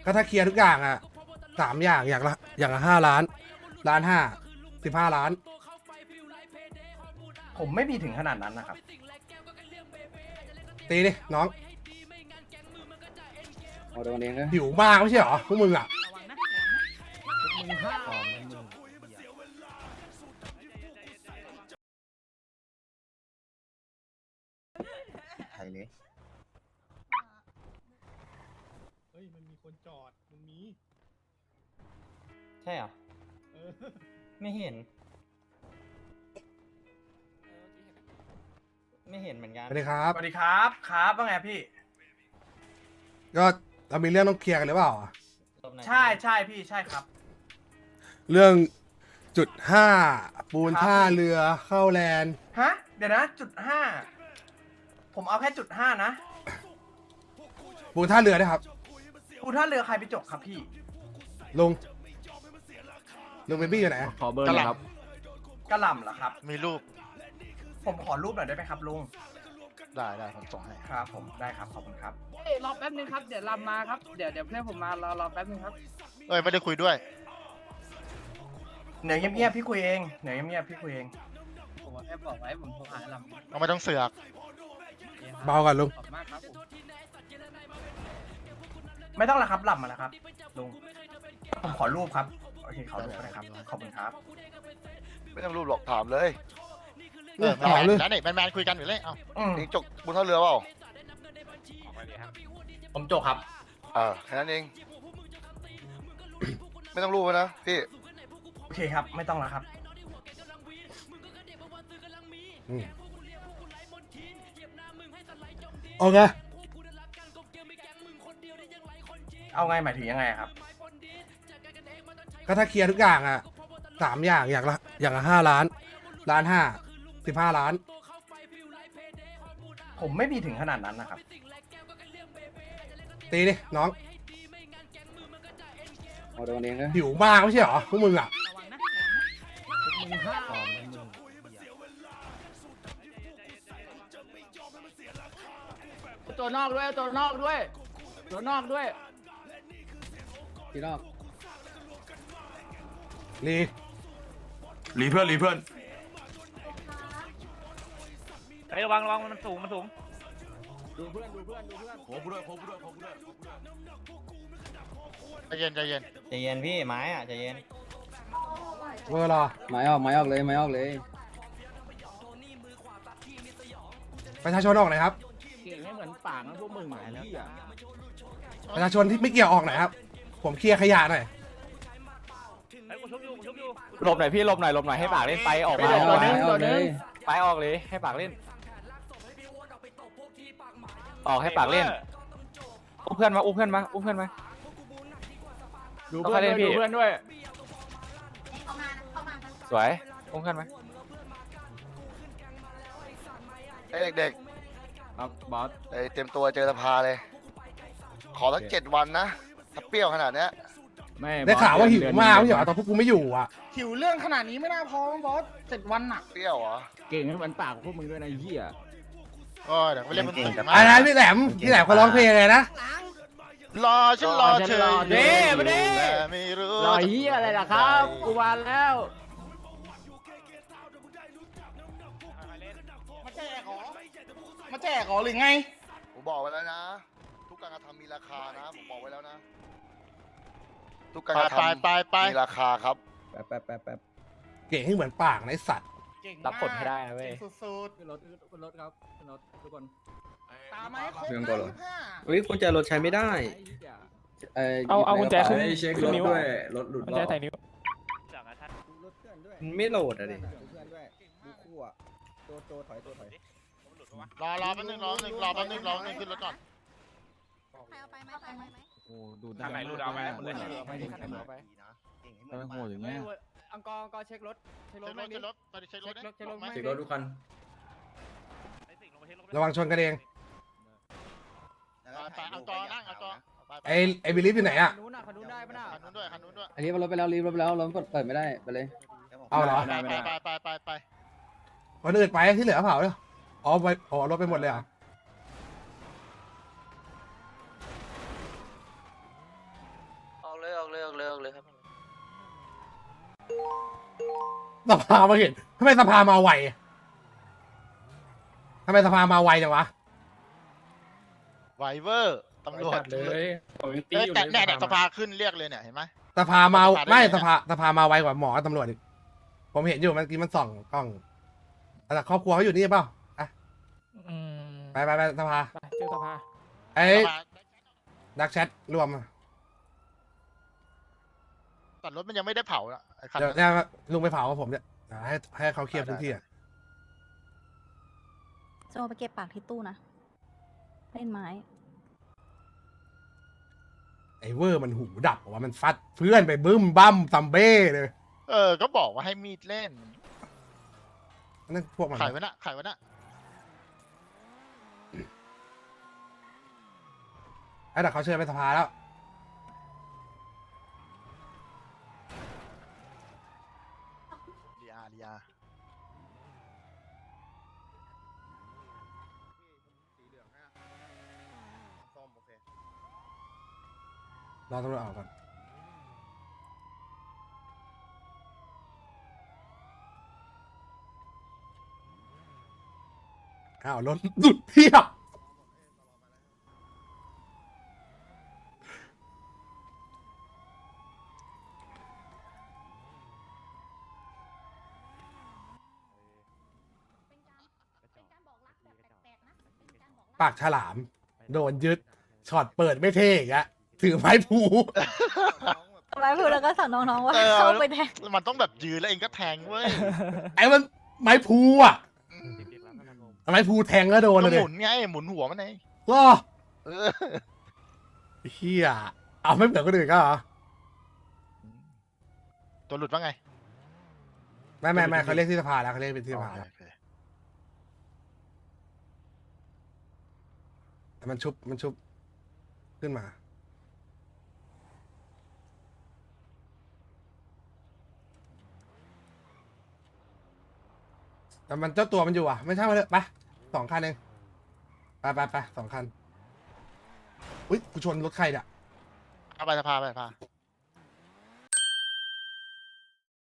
ก็ถ้าเคลียร์ทุกอย่างอ่ะ3 อย่างอย่างละ5 ล้าน1.5 ล้าน15 ล้านผมไม่มีถึงขนาดนั้นนะครับตีดิน้องเอาโดนเองนะหิวมากไม่ใช่เหรอพวกมึงอ่ะไทยเลยเฮ้ยมันมีคนจอดมันมีใช่เหรอ ไม่เห็น ไม่เห็นเหมือนกันสวัสดีครับสวัสดีครับครับว่าไงพี่ก็เรามีเรื่องต้องเคลียร์กันหรือเปล่าใช่ใช่พี่ใช่ครับเรื่องจุด 5ปูนครับท่าเรือเข้าแลนด์ฮะเดี๋ยวนะจุด 5ผมเอาแค่จุด 5นะปูนท่าเรือด้วยครับกูท่าเรือใครไปจกครับพี่ลุงเบบี้อยู่ไหนขอเบอร์หน่อยครับกระหล่ำเหรอครับมีรูปผมขอรูปหน่อยได้ไหมครับลุงได้ผมส่งให้ครับผมได้ครับขอบคุณครับเอ้ยรอแป๊บนึงครับ เดี๋ยวลำมาครับ เดี๋ยวเพื่อนผมมารอแป๊บนึงครับเอ้ยไม่ได้คุยด้วยเหนือเงียบๆพี่คุยเองเหนือเงียบๆพี่คุยเองผมแค่บอกไว้ผมโทรหาลำเอาไม่ต้องเสือกเบากันลุงขอบมากครับผมไม่ต้องละครับหล่ำมาแล้วครับลุงผมขอรูปครับโอเคขอรูปก็ได้ครับขอบคุณครับไม่ต้องรูปหรอกถามเลยถามเลยแล้วนี่แมนคุยกันอยู่เลย เอ้าอืมเองจกบนท่าเรือเปล่าผมจกครับแค่นั้นเอง ไม่ต้องรูปนะพี่โอเคครับไม่ต้องละครับอืมโอเคเอาไงหมายถึงยังไงครับก็ถ้าเคลียร์ทุกอย่างอ่ะ3 อย่างอย่างละ5 ล้าน1.5 ล้าน15 ล้านผมไม่มีถึงขนาดนั้นนะครับตีดิน้องเอาโดนเองนะหิวมากไม่ใช่เหรอพวกมึงอ่ะตัวนอกด้วยตัวนอกด้วยตัวนอกด้วยพี่นอกลีรีเพื่อนรีเพื่อนเฮ้ยระวังมันสูงดูเพื่อนดูเพื่อนดูเพื่อนโอ้กูด้วยโอ้กูด้วยโอ้กูด้วยใจเย็นใจเย็นพี่ไม้อ่ะใจเย็นเวลาไม้ออกเลยไม้ออกเลยประชาชนออกหน่อยครับเก่งให้เหมือนปากนะพวกมึงหมายแล้วประชาชนที่ไม่เกี่ยวออกหน่อยครับ ผมเคลียร์ขยะหน่อยหลบหน่อยพี่หลบหน่อยให้ปากเล่นไปออกไม้มาออกไม้ออกเลยไปออกเลยให้ปากเล่น ออกให้ปากเล่นอุ้มเพื่อนมาดูเพื่อนด้วยดูเพื่อนด้วยสวยอุ้มเพื่อนมาไอ้เด็กครับบอสๆเตรียมตัวเจอสภาเลย ขอสัก7 วันนะ ถ้าเปรี้ยวขนาดเนี้ยไม่ได้ข่าวว่าหิวมากไม่ใช่เหรอตอนพวกกูไม่อยู่อ่ะหิวเรื่องขนาดนี้ไม่น่าพอบอส7 วันน่ะเปรี้ยวเหรอเก่งให้เหมือนปากพวกมึงด้วยนะเหี้ยโอ้ยเดี๋ยวไปเล่นบนตึกอะไรนะพี่แหลมเขาร้องเพลงอะไรนะรอฉันรอเธอเด้มาดิแต่ไม่รู้รอเหี้ยอะไรล่ะครับกูวานแล้วมาแจกเหรอหรือไงผมบอกไว้แล้วนะ ทุกการกระทำมีราคานะ ผมบอกไว้แล้วนะ ทุกการกระทำไปมีราคาครับแป๊บเก่งให้เหมือนปากนะไอ้สัตว์รับผลให้ได้นะเว้ยขึ้นรถครับขึ้นรถทุกคนตามไหมครบเรื่องก่อนเหรอ 25 เฮ้ยกุญแจรถใช้ไม่ได้เอากุญแจขึ้นเช็ครถด้วยรถหลุดมันจะใส่นิ้วรถเพื่อนด้วยไม่โหลดอะดิเพื่อนด้วยดูคู่อะตัวถอยรอแป๊บนึงขึ้นรถก่อนโอ้ดูทางไหนรูดเอาไหมไม่โหดอย่างเงี้ยอังกอร์เช็ครถเช็ครถเช็ครถไปดิเช็ครถเช็ครถเช็ครถทุกคันระวังชนกันเองไปเอาจอนั่งเอาจอไอ้บิลิฟอยู่ไหนอ่ะคันนู้นน่ะคันนู้นได้ปะน่ะคันนู้นด้วยอันนี้รถไปแล้วรถเปิดไม่ได้ไปเลยเอาเหรอไปวันอื่นไปที่เหลือเผาเลยอ๋อไปรถไปหมดเลยอ่ะเลยครับสภามาเห็นทำไมสภามาไวทำไมสภามาไวจังวะไวเวอร์ตำรวจเลยผมยังตีเอ้ยอยู่แต่เลยเนี่ยสภาขึ้นเรียกเลยเนี่ยเห็นไหมสภามาสภาได้ไม่ไงเนี่ยสภามาไวกว่าหมอกับตำรวจอีกผมเห็นอยู่เมื่อกี้มันส่องกล้องแต่ครอบครัวเขาอยู่นี่เปล่าอ่ะอืมไปสภาไปเจอสภาไอ้สภาดักแชทรวมแต่รถมันยังไม่ได้เผาอ่ะไอ้คันเดี๋ยวเนี่ยลุงไปเผากับผมเนี่ยให้เขาเคลียร์พื้นที่อ่ะจะเอาไปเก็บปากที่ตู้นะ เล่นไม้ไอ้เวอร์มันหูดับว่ามันฟัดเพื่อนไปบึ้มบั้มซัมเบ้เลยก็บอกว่าให้มีดเล่นนั่นพวกมันขายไว้นะขายไว้นะไอ้แต่เขาเชิญไปสภาแล้วลีอาสีเหลืองนะส้มโอเครอตำรวจออกก่อนอ้าวรถดุดเพียบปากฉลาม โดนยึดช็อตเปิดไม่เท่อีกอะถือไม้ผูไม้พูดแล้วก็สั่งน้องๆว่าเออเข้าไปแทงมันต้องแบบยืนแล้วเองก็แทงเว้ยไอ้มันไม้ผูอะไม้ผูแทงแล้วโดนก็เลยหมุนไงหมุนหัวมันไงก็เออเฮียเอาไม่เหมือนคนอื่นก็เหรอตัวหลุดว่าไงไม่เขาเรียกที่สภาแล้วเขาเรียกเป็นที่สภาแล้วโอเคแต่มันชุบขึ้นมาแต่มันเจ้าตัวมันอยู่อ่ะไม่ใช่มาเลยไป2 คันเองไป2 คันอุ้ยกูชนรถใครเนี่ยเอาไปสภา